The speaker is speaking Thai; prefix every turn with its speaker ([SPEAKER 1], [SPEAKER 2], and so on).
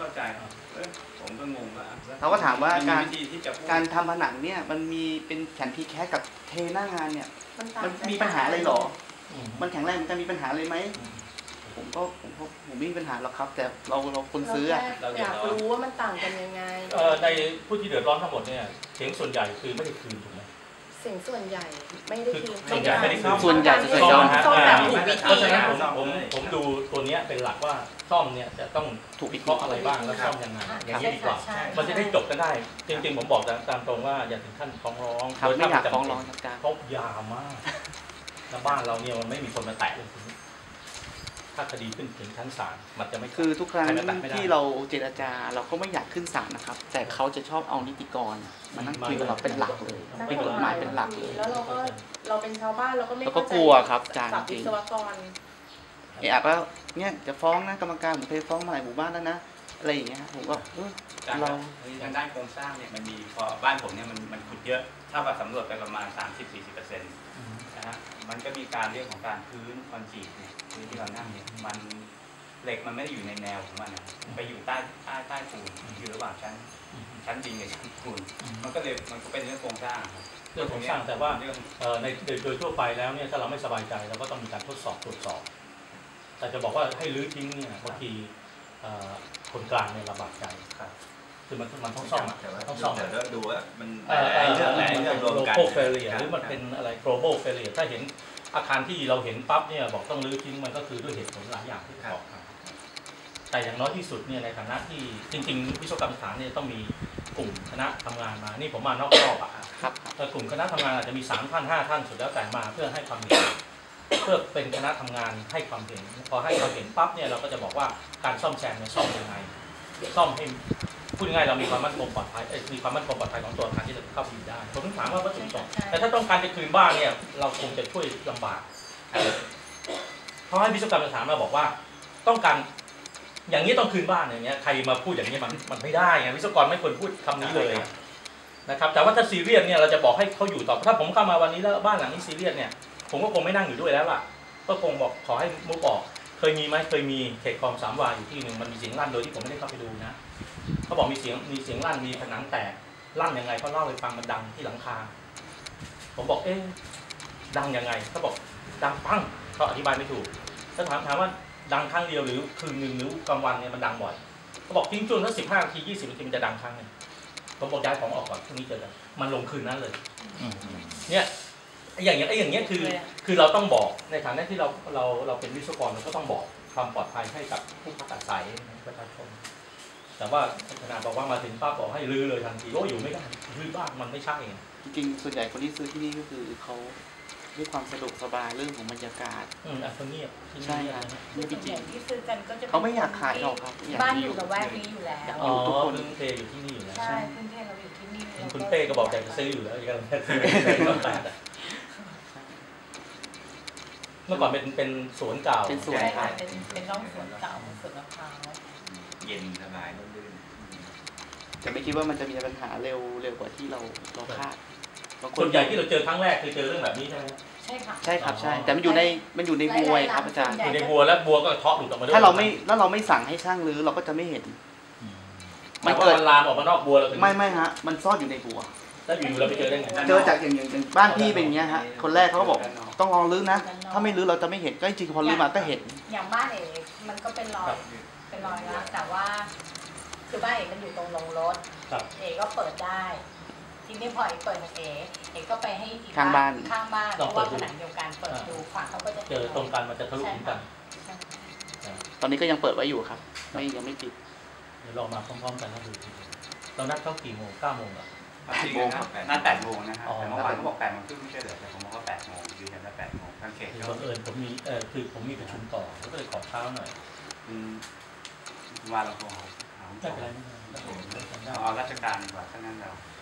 [SPEAKER 1] เข้าใจผมก็งงว่า
[SPEAKER 2] เราก็ถามว่าการทำผนังเนี่ยมันมีเป็นแผ่นพีแคสกับเทหน้างานเนี่ยมันมีปัญหาอะไรหรอมันแข็งแรงมันจะมีปัญหาเลยไหมผมไม่มีปัญหาหรอกครับแต่เราคนซื้อ
[SPEAKER 3] เราอยากรู้ว่ามันต่างกันยังไง
[SPEAKER 4] ในผู้ที่เดือดร้อนทั้งหมดเนี่ยเสียงส่วนใหญ่คือไม่ได้คืนถูกไหม
[SPEAKER 3] เสียงส่วนใหญ่ไม่ได้คืน
[SPEAKER 4] ส่วนใหญ่ไม่ได้คืน
[SPEAKER 2] ส่วนใหญ่จะซ่อม
[SPEAKER 4] เพราะฉะนั้นผมดูตัวนี้เป็นหลักว่าซ่อมเนี่ยจะต้องถูกวิเคราะห์อะไรบ้างแล้วซ่อมยังไงอย่างนี้ดีกว่ามันจะได้จบกันได้จริงๆผมบอกตามตรงว่าอย่าถึงขั้นฟ้องร้อง
[SPEAKER 2] ไม่อยากฟ้องร้องครับ
[SPEAKER 4] เพราะยาวมากแล้วบ้านเราเนี่ยมันไม่มีคนมาแตะเลยถ้าคดีขึ้นถึงชั้นศาลมันจะไม่
[SPEAKER 2] คือทุกครั้งที่เราเจรจาเราก็ไม่อยากขึ้นศาลนะครับแต่เขาจะชอบเอานิติกรมานั่งคุยกับเราเป็นหลักเลยเป็นกฎหมายเป็นหลักเลย
[SPEAKER 3] แล้วเราเป็นชาวบ้านเราก็ไม่
[SPEAKER 2] กลัวครับอาจารย์จริง
[SPEAKER 3] อา
[SPEAKER 2] จว่าเนี่ยจะฟ้องนะกรรมการผมเคยฟ้องมาหลายหมู่บ้านแล้วนะอะไรอย่างเงี้ยผมก็
[SPEAKER 1] เราทางด้านโครงสร้างเนี่ยมันมีพอบ้านผมเนี่ยมันขุดเยอะถ้าว่าสำรวจไปประมาณ 30-40%นะฮะมันก็มีการเรื่องของการพื้นคอนกรีตเนี่ยที่เรานั่งเนี่ยมันเหล็กมันไม่ได้อยู่ในแนวของมันไปอยู่ใต้ปูนอยู่ระหว่างชั้นดินกับชั้นปูนมันก็เป็นเรื่องโครงสร้าง
[SPEAKER 4] เรื่องโครงสร้างแต่ว่าในโดยทั่วไปแล้วเนี่ยถ้าเราไม่สบายใจเราก็ต้องมีการทดสอบตรวจสอบแต่จะบอกว่าให้รื้อทิ้งเนี่ยบางทีคนกลางเนี่ยลำบากใจคือมันต้องซ่อม
[SPEAKER 1] ต้องซ่อมแต่ดูว่ามัน
[SPEAKER 4] เรื่องรวมกัน global failure หรือมันเป็นอะไร global failure ถ้าเห็นอาคารที่เราเห็นปั๊บเนี่ยบอกต้องรื้อทิ้งมันก็คือด้วยเหตุผลหลายอย่างที่บอกแต่อย่างน้อยที่สุดเนี่ยในฐานะที่จริงๆวิศวกรรมสถานเนี่ยต้องมีกลุ่มคณะทำงานมานี่ผมมานอกรอบ
[SPEAKER 2] ครับ
[SPEAKER 4] แต่กลุ่มคณะทำงานอาจจะมี3 ท่าน 5 ท่านสุดแล้วแต่มาเพื่อให้ความเห็นเพื่อเป็นคณะทำงานให้ความเห็นพอให้ความเห็นปั๊บเนี่ยเราก็จะบอกว่าการซ่อมแซมเนี่ยซ่อมยังไงซ่อมให้พูดง่ายเรามีความมั่นคงปลอดภัยมีความมั่นคงปลอดภัยของตัวอาคารที่จะเข้าไปอยู่ได้ผมถึงถามว่าวัตถุประสงค์แต่ถ้าต้องการจะคืนบ้านเนี่ยเราคงจะช่วยลำบากเพราะให้วิศวกรรมสถานมาบอกว่าต้องการอย่างนี้ต้องคืนบ้านอย่างเงี้ยใครมาพูดอย่างนี้มันไม่ได้ไงวิศวกรไม่ควรพูดคำนี้เลยนะครับแต่ว่าถ้าซีเรียสเนี่ยเราจะบอกให้เขาอยู่ต่อถ้าผมเข้ามาวันนี้แล้วบ้านหลังนี้ซีเรียสเนี่ยผมก็คงไม่นั่งอยู่ด้วยแล้วล่ะก็คงบอกขอให้มุกออกเคยมีไหมเคยมีเขตคลอง3 วาอยู่ที่หนึ่งมันมีเสียงลั่นโดยที่ผมไม่ได้เข้าไปดูนะเขาบอกมีเสียงลั่นมีผนังแตกลั่นยังไงเขาเล่าให้ฟังมันดังที่หลังคาผมบอกดังยังไงเขาบอกดังปังเขาอธิบายไม่ถูกถ้าถามว่าดังครั้งเดียวหรือคืนหนึ่งหรือกลางวันเนี่ยมันดังบ่อยเขาบอกทิ้งช่วงสัก15 นาที 20 นาทีมันจะดังครั้งนึงผมบอกย้ายของออกก่อนพรุ่งนี้เจอกันมันลงคืนนั้นเลยเนี่ยอย่างเงี้ยคือเราต้องบอกในฐานะที่เราเป็นวิศวกรเราก็ต้องบอกความปลอดภัยให้กับผู้พักอาศัยประชาชนแต่ว่าขนาดบอกว่ามาถึงป้าบอกให้รื้อเลยทันทีโอ้อยู่ไม่ได้รื้อบ้านมันไม่ใช่
[SPEAKER 2] จริงๆส่วนใหญ่คนที่ซื้อที่นี่ก็คือเขาด้วยความสะดวกสบายเรื่องของบรรยากาศ
[SPEAKER 4] เขาเงียบ
[SPEAKER 2] ใช่ครับ
[SPEAKER 3] นี่จริงที่ซื้อกันก็จะ
[SPEAKER 2] เขาไม่อยากขายหรอกครับ
[SPEAKER 3] บ้านอยู่กับแวกนี้อยู่แล้ว
[SPEAKER 4] ทุกคนเทอยู่ที่นี่อยู่แล้ว
[SPEAKER 3] ใช่พื้นเทเราอยู่ที่นี่
[SPEAKER 4] คุณเป้ก็บอกแต่จะซื้ออยู่แล้วยังซื้อเมื่อก่อนเป็นสวนเก่า
[SPEAKER 2] เป็นสวน
[SPEAKER 3] เป็นร่องสวนเก่าสวนมะพร้าว
[SPEAKER 1] เย็นสบายลื่น
[SPEAKER 2] จะไม่คิดว่ามันจะมีปัญหาเร็วกว่าที่เราคาด
[SPEAKER 4] ส่วนใหญ่ที่เราเจอครั้งแรกคือเจอเรื่องแบบนี้ใช่ไหม
[SPEAKER 3] ใช่ค่ะ
[SPEAKER 2] ใช่ครับใช่แต่มันอยู่ในบัวครับอาจารย์
[SPEAKER 4] อยู่ในบัวแล้วบัวก็เทาะหลุดออกมาด้วย
[SPEAKER 2] ถ้าเราไม่สั่งให้ช่างรื้อเราก็จะไม่เห็น
[SPEAKER 4] มันเกิดลามออกมานอกบัวแล้ว
[SPEAKER 2] ไม่ฮะมันซ่อนอยู่ในบัว
[SPEAKER 4] แล้วอยู่เราไปเจอได้ไง
[SPEAKER 2] เจอจากอย่างบ้านพี่เป็นอย่างเงี้ยฮะคนแรกเขาก็บอกต้องลองรื้อนะถ้าไม่รื้อเราจะไม่เห็นก็จริงๆพอรื้อมาก็เห็น
[SPEAKER 3] อย่างบ้านเอ๋มันก็เป็นรอยนะแต่ว่าคือบ้านเอ๋มันอยู่ตรงลงรถเอ๋ก็เปิดได้ทีนี้พอเปิดของเอ๋ก็ไปให้อีกข้างบ้านเพราะว่าผนังเดียวกันเปิดดูฝั่งเขาก็จะ
[SPEAKER 4] เจอตรงกันมันจะทะลุถึงกัน
[SPEAKER 2] ตอนนี้ก็ยังเปิดไว้อยู่ครับยังไม่ปิด
[SPEAKER 4] เดี๋ยวเรามาพร้อมๆกันนะดูเรานัดเข้ากี่โมง9 โมงอ่ะ
[SPEAKER 1] 8 โมงนัด8 โมงนะครับแต่เมื่อวานเขาบอก8 โมงครึ่งไม่ใช่เหรอแต่ผมบอกว่า8 โมงยืนยันว่า8 โมงทางเขต
[SPEAKER 4] บังเอิญผมมีคือผมมีประชุมต่อแล้วก็เลยขอเช้าหน่อย
[SPEAKER 1] ว่าเราโทรหา
[SPEAKER 4] ไม่เป็นไร
[SPEAKER 1] เอาราชการดีกว่าถ้างั้นเรา